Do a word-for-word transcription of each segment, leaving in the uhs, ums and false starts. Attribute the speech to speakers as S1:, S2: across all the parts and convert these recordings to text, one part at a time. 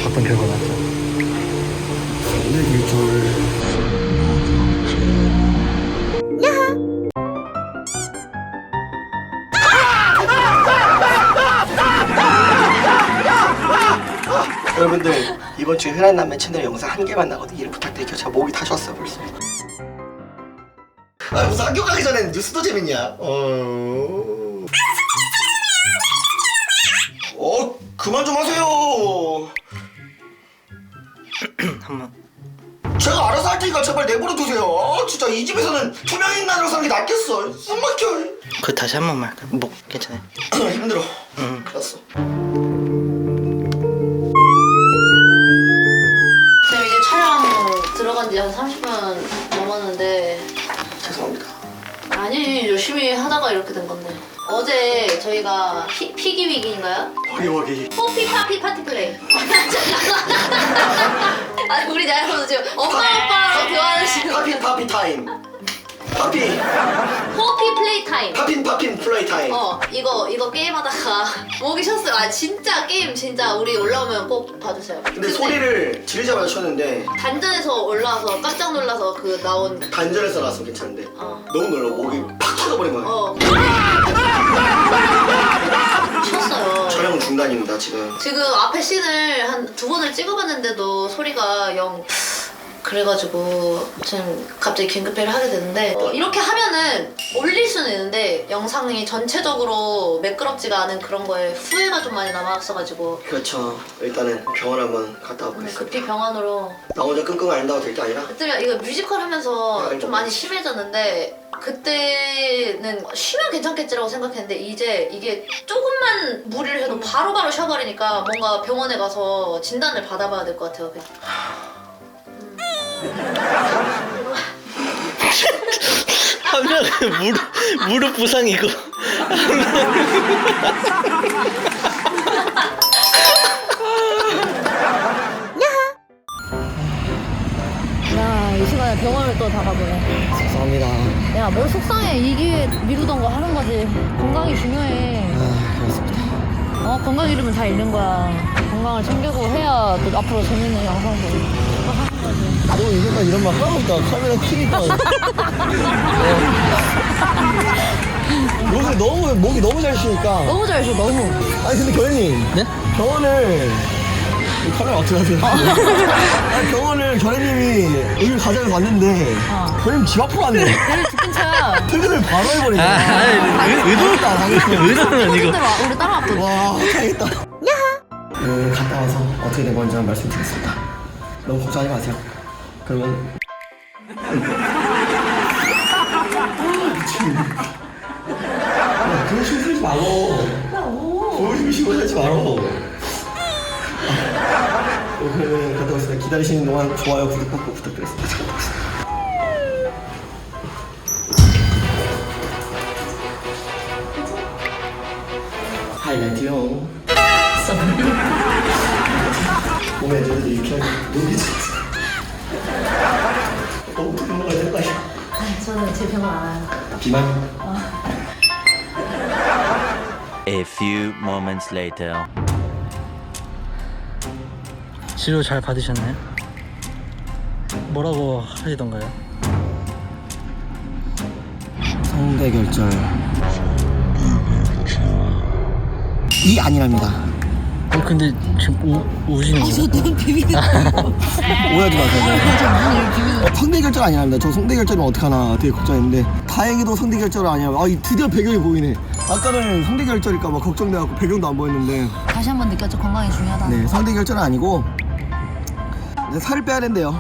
S1: 어떤 결과 났죠?
S2: 성대결절. 여러분들 이번 주에 흔한 남매 채널 영상 한 개만 나거든요. 이를 부탁드릴게요. 제가 목이 다 쉬었어요 벌써. 아 무슨 학교 가기 전에 뉴스도 재밌냐? 어... 어 그만 좀 하세요.
S1: 한번
S2: 제가 알아서 할 테니까 제발 내버려 두세요. 아, 진짜 이 집에서는 투명인간으로 사는 게 낫겠어. 숨 막혀.
S1: 그 다시 한 번만 할까? 목 괜찮아요?
S2: 힘들어.
S1: 응.
S2: 알았어.
S3: 지금 이제 촬영 들어간 지 한 삼십 분 넘었는데
S2: 죄송합니다.
S3: 아니 열심히 하다가 이렇게 된 건데 어제 저희가 피, 피기위기인가요?
S2: 허기허기.
S3: 뽀피 파피 파티 플레이 아니 우리 나이로는 지금 엄마 아빠랑 대화를 지금
S2: 파핀 파피 타임. 파피.
S3: 뽀피 플레이 타임
S2: 파핀 파핀 플레이 타임.
S3: 어 이거 이거 게임하다가 목이 쉬었어요. 아 진짜 게임 진짜 우리 올라오면 꼭 봐주세요.
S2: 근데 소리를 지르자마자 쳤는데
S3: 단전에서 올라와서 깜짝 놀라서 그 나온
S2: 단전에서 나왔으면 괜찮은데
S3: 어.
S2: 너무 놀라. 목이 팍 터져버린 거야.
S3: 어 쉬었어요.
S2: 촬영 중단입니다 지금.
S3: 지금 앞에 씬을 한 두 번을 찍어봤는데도 소리가 영 그래가지고 지금 갑자기 긴급회를 하게 되는데 어, 이렇게 하면은 올릴 수는 있는데 영상이 전체적으로 매끄럽지가 않은 그런 거에 후회가 좀 많이 남았어가지고
S2: 그렇죠. 일단은 병원 한번 갔다
S3: 네,
S2: 와보겠습니다.
S3: 급히 병원으로
S2: 나 혼자 끙끙 앓는다고 될 게 아니라
S3: 그때 이거 뮤지컬 하면서 좀 많이 심해졌는데 그때는 쉬면 괜찮겠지라고 생각했는데 이제 이게 조금만 무리를 해도 바로바로 쉬어버리니까 뭔가 병원에 가서 진단을 받아봐야 될 것 같아요.
S1: 한 명은 무릎, 무릎 부상이고
S3: 야, 이 시간에 병원을 또 다 가보네.
S2: 죄송합니다.
S3: 야, 뭘 속상해. 이 기회에 미루던 거 하는 거지. 건강이 중요해.
S2: 아 그렇습니다.
S3: 어, 건강 잃으면 다 잃는 거야. 건강을 챙기고 해야 또 앞으로 재밌는 영상도 또 하는 거지.
S2: 너 이제까지 이런 말 하고 있다. 카메라 켜니까. 요새 너무 목이 너무 잘 쉬니까.
S3: 너무 잘 쉬어, 너무.
S2: 아니 근데 교현님.
S1: 네?
S2: 병원을 이 카메라 어떻게 하세요? 아니 병원을 교현님이 여기 가자고 갔는데
S3: 어.
S2: 교현님 집 앞으로 왔네.
S3: 내일 집 근처야.
S2: 퇴근을 바로 해버리네.
S1: 아, 아니, 의- 의도-
S2: 당했다, 당했어.
S1: 의도는 아니고
S3: 우리 따라왔거든.
S2: 와, 당했다. 네, 갔다 와서 어떻게 된 건지 한번 말씀드리겠습니다. 너무 걱정하지 마세요. 그러면 미치겠네. 야, 그런 식으로 살지 말어. 그런 식으로 살지 말어. 그러면 갔다 오겠습니다. 기다리시는 동안 좋아요, 구독 꼭 부탁드리겠습니다. 잘 먹겠습니다. 하이라이트요. 몸에 애들도 이렇게 하기 너무 어떻게 먹어야 될 거 아니야.
S3: 저는 제 병원 알아요.
S2: 비만.
S4: A few moments later.
S1: 치료 잘 받으셨나요? 뭐라고 하시던가요?
S2: 성대결절. 이 아니랍니다.
S1: 어, 근데 지금 우, 우시는 거예요?
S3: 너무 비비는
S2: 오해하지 마세요. 어, 성대결절 아니랍니다. 저 성대결절은 어떡하나 되게 걱정했는데 다행히도 성대결절은 아니야. 아, 이 드디어 배경이 보이네. 아까는 성대결절일까 봐 걱정돼갖고 배경도 안 보였는데
S3: 다시 한 번 느꼈죠. 건강이 중요하다.
S2: 네, 성대결절은 아니고 이제 살을 빼야 된대요.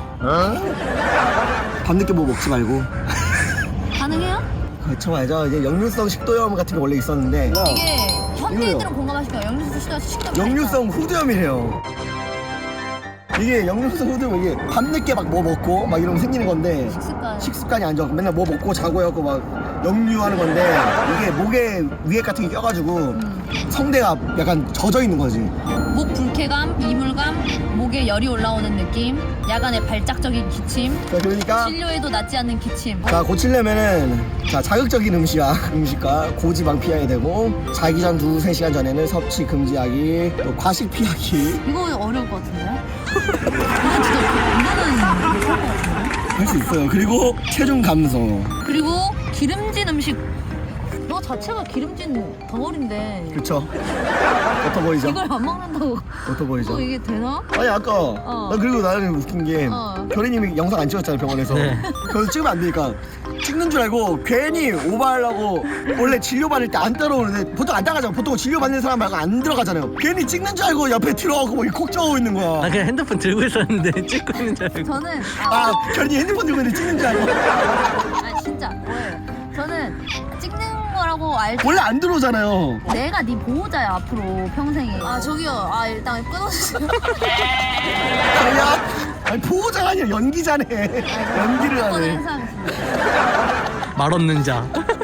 S2: 밤늦게 뭐 먹지 말고.
S3: 가능해요?
S2: 그렇죠, 맞아. 이제 역류성 식도염 같은 게 원래 있었는데
S3: 이게 현대인들은
S2: 이거요.
S3: 공감하실 거예요. 역류성 식도염 식도염.
S2: 역류성 후두염이래요. 이게 역류성 후두염 이게 밤늦게 막 뭐 먹고 막 이러면 생기는 건데
S3: 식습관.
S2: 식습관이 안 좋고 맨날 뭐 먹고 자고 해갖고 막 역류하는 건데 이게 목에 위에 같은 게 껴가지고 성대가 약간 젖어 있는 거지.
S3: 목 불쾌감, 이물감, 목 목에 열이 올라오는 느낌, 야간에 발작적인 기침,
S2: 자, 그러니까
S3: 진료에도 낫지 않는 기침.
S2: 자 고치려면은 자 자극적인 음식과 음식과 고지방 피해야 되고 자기 전 두세 시간 전에는 섭취 금지하기 또 과식 피하기
S3: 이거 어려울 것 같은데요? 이건 진짜 이거는 못할 것 같은데?
S2: 할 수 있어요. 그리고 체중 감소.
S3: 그리고 기름진 음식. 너 자체가 기름진 덩어리인데
S2: 그쵸? 어떠 보이죠?
S3: 이걸 안 먹는다고
S2: 어떠 보이죠?
S3: 또 이게 되나?
S2: 아니 아까
S3: 어.
S2: 나 그리고 나는 웃긴 게
S3: 어.
S2: 별이님이 영상 안 찍었잖아요 병원에서.
S1: 네.
S2: 그래서 찍으면 안 되니까 찍는 줄 알고 괜히 오버하려고 원래 진료 받을 때 안 따라오는데 보통 안 따라가잖아. 보통 진료 받는 사람 말고 안 들어가잖아요. 괜히 찍는 줄 알고 옆에 들어가고 뭐 콕 적어 있는 거야.
S1: 나 그냥 핸드폰 들고 있었는데 찍고 있는 줄 알고.
S3: 저는
S2: 아 별이 핸드폰 들고 있는데 찍는 줄 알고.
S3: 아 진짜 뭐예요? 저는 찍는 거라고 알지.
S2: 원래 안 들어오잖아요.
S3: 내가 네 보호자야 앞으로 평생에. 아 저기요. 아 일단 끊어주세요.
S2: 아니야. 아니 보호자가 아니라 연기자네. 연기를
S3: 한번
S2: 하네.
S3: 행사하겠습니다.
S1: 말 없는 자.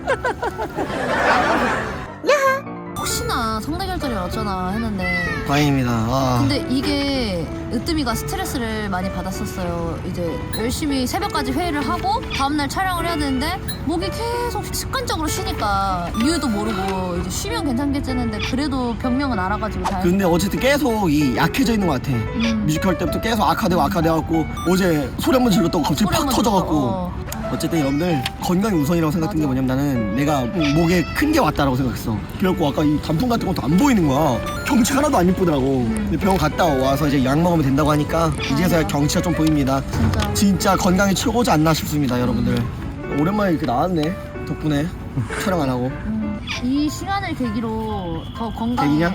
S3: 혹시나 성대결절이 어쩌나 했는데
S2: 다행입니다. 아.
S3: 근데 이게 으뜸이가 스트레스를 많이 받았었어요. 이제 열심히 새벽까지 회의를 하고 다음날 촬영을 해야 되는데 목이 계속 습관적으로 쉬니까 이유도 모르고 이제 쉬면 괜찮겠지는데 그래도 병명은 알아가지고 잘.
S2: 근데 어쨌든 계속 이 약해져 있는 것 같아.
S3: 음.
S2: 뮤지컬 때부터 계속 악화되고 악화돼갖고 어제 소리 한번 질렀다고 갑자기
S3: 소리
S2: 팍
S3: 한번
S2: 터져갖고.
S3: 질러. 어.
S2: 어쨌든 여러분들 건강이 우선이라고 생각했던 게
S3: 맞아.
S2: 뭐냐면 나는 내가 목에 큰 게 왔다라고 생각했어. 그래갖고 아까 이 단풍 같은 것도 안 보이는 거야. 경치 하나도 안 이쁘더라고.
S3: 음.
S2: 근데 병원 갔다 와서 이제 약 먹으면 된다고 하니까 이제서야
S3: 맞아.
S2: 경치가 좀 보입니다.
S3: 진짜.
S2: 진짜 건강이 최고지 않나 싶습니다 여러분들. 오랜만에 이렇게 나왔네 덕분에 촬영 안 하고.
S3: 음, 이 시간을 계기로 더 건강.
S2: 대기냐?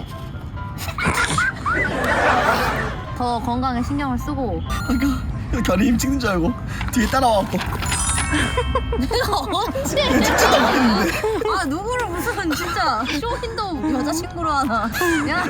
S3: 더 건강에 신경을 쓰고.
S2: 아까 결이 힘 찍는 줄 알고 뒤에 따라와갖고
S3: 내가 언제?
S2: 찍지도 않았는데.
S3: 아 누구를 무슨 진짜 쇼윈도 여자친구로 하나. 야.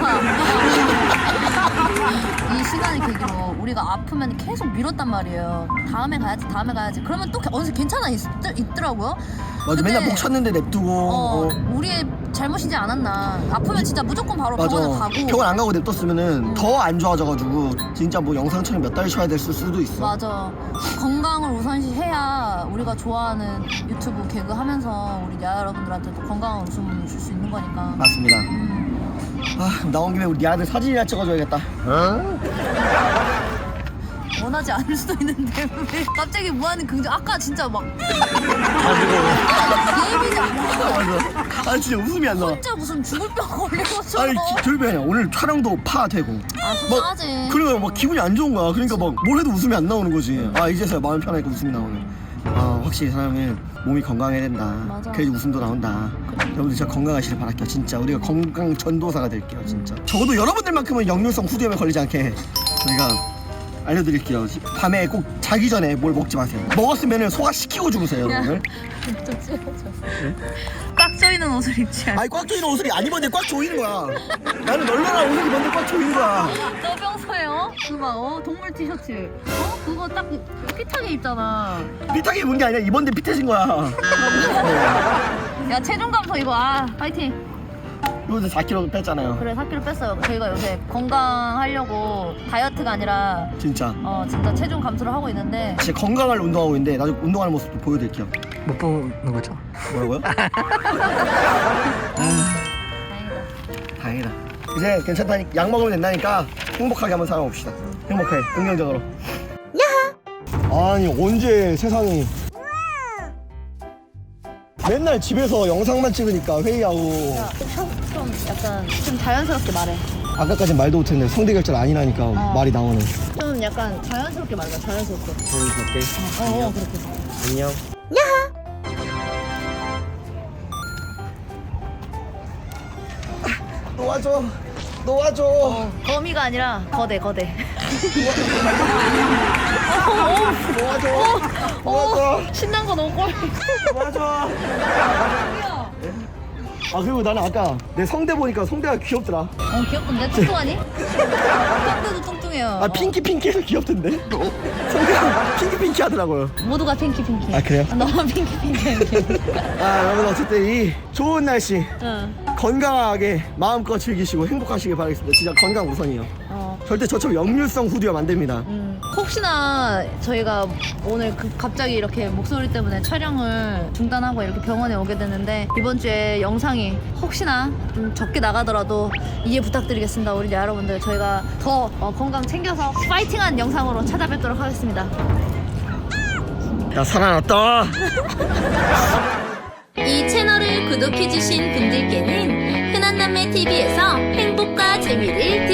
S3: 이 시간을 계기로 우리가 아프면 계속 미뤘단 말이에요. 다음에 가야지, 다음에 가야지. 그러면 또 어느새 괜찮아 있, 있더라고요.
S2: 맞아.
S3: 근데-
S2: 맨날 목 쳤는데 냅두고.
S3: 어,
S2: 어.
S3: 우리의 잘못이지 않았나. 아프면 진짜 무조건 바로 병원을
S2: 맞아.
S3: 가고.
S2: 병원 안 가고 냅뒀으면은 더 안 좋아져가지고 진짜 뭐 영상처럼 몇 달 쉬어야 될 수도 있어.
S3: 맞아. 건강을 우선시해야 우리가 좋아하는 유튜브 개그 하면서 우리 야 여러분들한테도 건강한 웃음을 줄 수 있는 거니까.
S2: 맞습니다.
S3: 음.
S2: 아 그럼 나온 김에 우리 아들 사진이나 찍어줘야겠다.
S3: 원하지 않을 수도 있는데 왜 갑자기 무한히 긍정. 아까 진짜 막
S1: 가지고.
S3: 예민해.
S2: 맞아. 아 진짜 웃음이 안 나와.
S3: 혼자 무슨 죽을 병 걸린
S2: 아니
S3: 것처럼.
S2: 기- 결국에 아니야. 오늘 촬영도 파되고.
S3: 아 속상하지.
S2: 그러니까 막 기분이 안 좋은 거야. 그러니까 막 뭘 해도 웃음이 안 나오는 거지. 아 이제서야 마음 편하니까 웃음이 나오네. 아 확실히 사람은 몸이 건강해야 된다.
S3: 맞아.
S2: 그래야지 웃음도 나온다. 여러분들 진짜 건강하시길 바랄게요. 진짜 우리가 건강 전도사가 될게요. 진짜. 적어도 여러분들만큼은 역류성 후두염에 걸리지 않게 저희가 알려드릴게요. 밤에 꼭 자기 전에 뭘 먹지 마세요. 먹었으면 소화시키고 주무세요, 여러분들.
S3: 좀 찌워줘. 꽉 조이는 옷을 입지 않아.
S2: 아니 꽉 조이는 옷을 안 입었는데 꽉 조이는 거야. 나는 널널한 옷을 입었는데 꽉 조이는 거야.
S3: 너 평소에 어? 그막 어? 동물 티셔츠 어? 그거 딱 핏하게 입잖아.
S2: 삐딱이 입은 게 아니라 입었는데 삐뚤어진 거야.
S3: 야 체중 감소 이거 아 파이팅.
S2: 요새 사 킬로그램 뺐잖아요.
S3: 그래 사 킬로그램 뺐어요. 저희가 요새 건강하려고 다이어트가 아니라
S2: 진짜.
S3: 어 진짜 체중 감소를 하고 있는데
S2: 진짜 건강할 운동하고 있는데 나중에 운동하는 모습도 보여드릴게요.
S1: 못 보는 거죠.
S2: 뭐라고요?
S3: 다행이다.
S2: 다행이다. 이제 괜찮다니 약 먹으면 된다니까 행복하게 한번 살아봅시다. 행복하게 긍정적으로. 아니 언제 세상이 맨날 집에서 영상만 찍으니까 회의하고
S3: 좀 약간 좀 자연스럽게 말해.
S2: 아까까진 말도 못했는데 성대결절 아니라니까 말이 나오네.
S3: 좀 약간 자연스럽게 말해. 자연스럽게.
S2: 자연스럽게.
S3: 어, 어 그렇게.
S2: 안녕. 놓아줘. 놓아줘.
S3: 거미가 아니라 거대 거대.
S2: 놓아줘. 놓아줘.
S3: 신난 거 너무 꼴.
S2: 놓아줘. 아 그리고 나는 아까 내 성대 보니까 성대가 귀엽더라.
S3: 어 귀엽던데 뚱뚱하니? 성대도 뚱뚱해요.
S2: 아 핑키 핑키해서 귀엽던데? 성대가 핑키 핑키 하더라고요.
S3: 모두가 핑키 핑키.
S2: 아, 그래요?
S3: 너무 핑키 핑키.
S2: 아 여러분 어쨌든 이 좋은 날씨
S3: 응.
S2: 건강하게 마음껏 즐기시고 행복하시길 바라겠습니다. 진짜 건강 우선이요.
S3: 어
S2: 절대 저처럼 역류성 후두염 안 됩니다.
S3: 음, 혹시나 저희가 오늘 그 갑자기 이렇게 목소리 때문에 촬영을 중단하고 이렇게 병원에 오게 됐는데 이번 주에 영상이 혹시나 좀 적게 나가더라도 이해 부탁드리겠습니다. 우리 여러분들 저희가 더 어, 건강 챙겨서 파이팅한 영상으로 찾아뵙도록 하겠습니다.
S2: 나 살아났다.
S5: 이 채널을 구독해주신 분들께는 흔한남매티비에서 행복과 재미를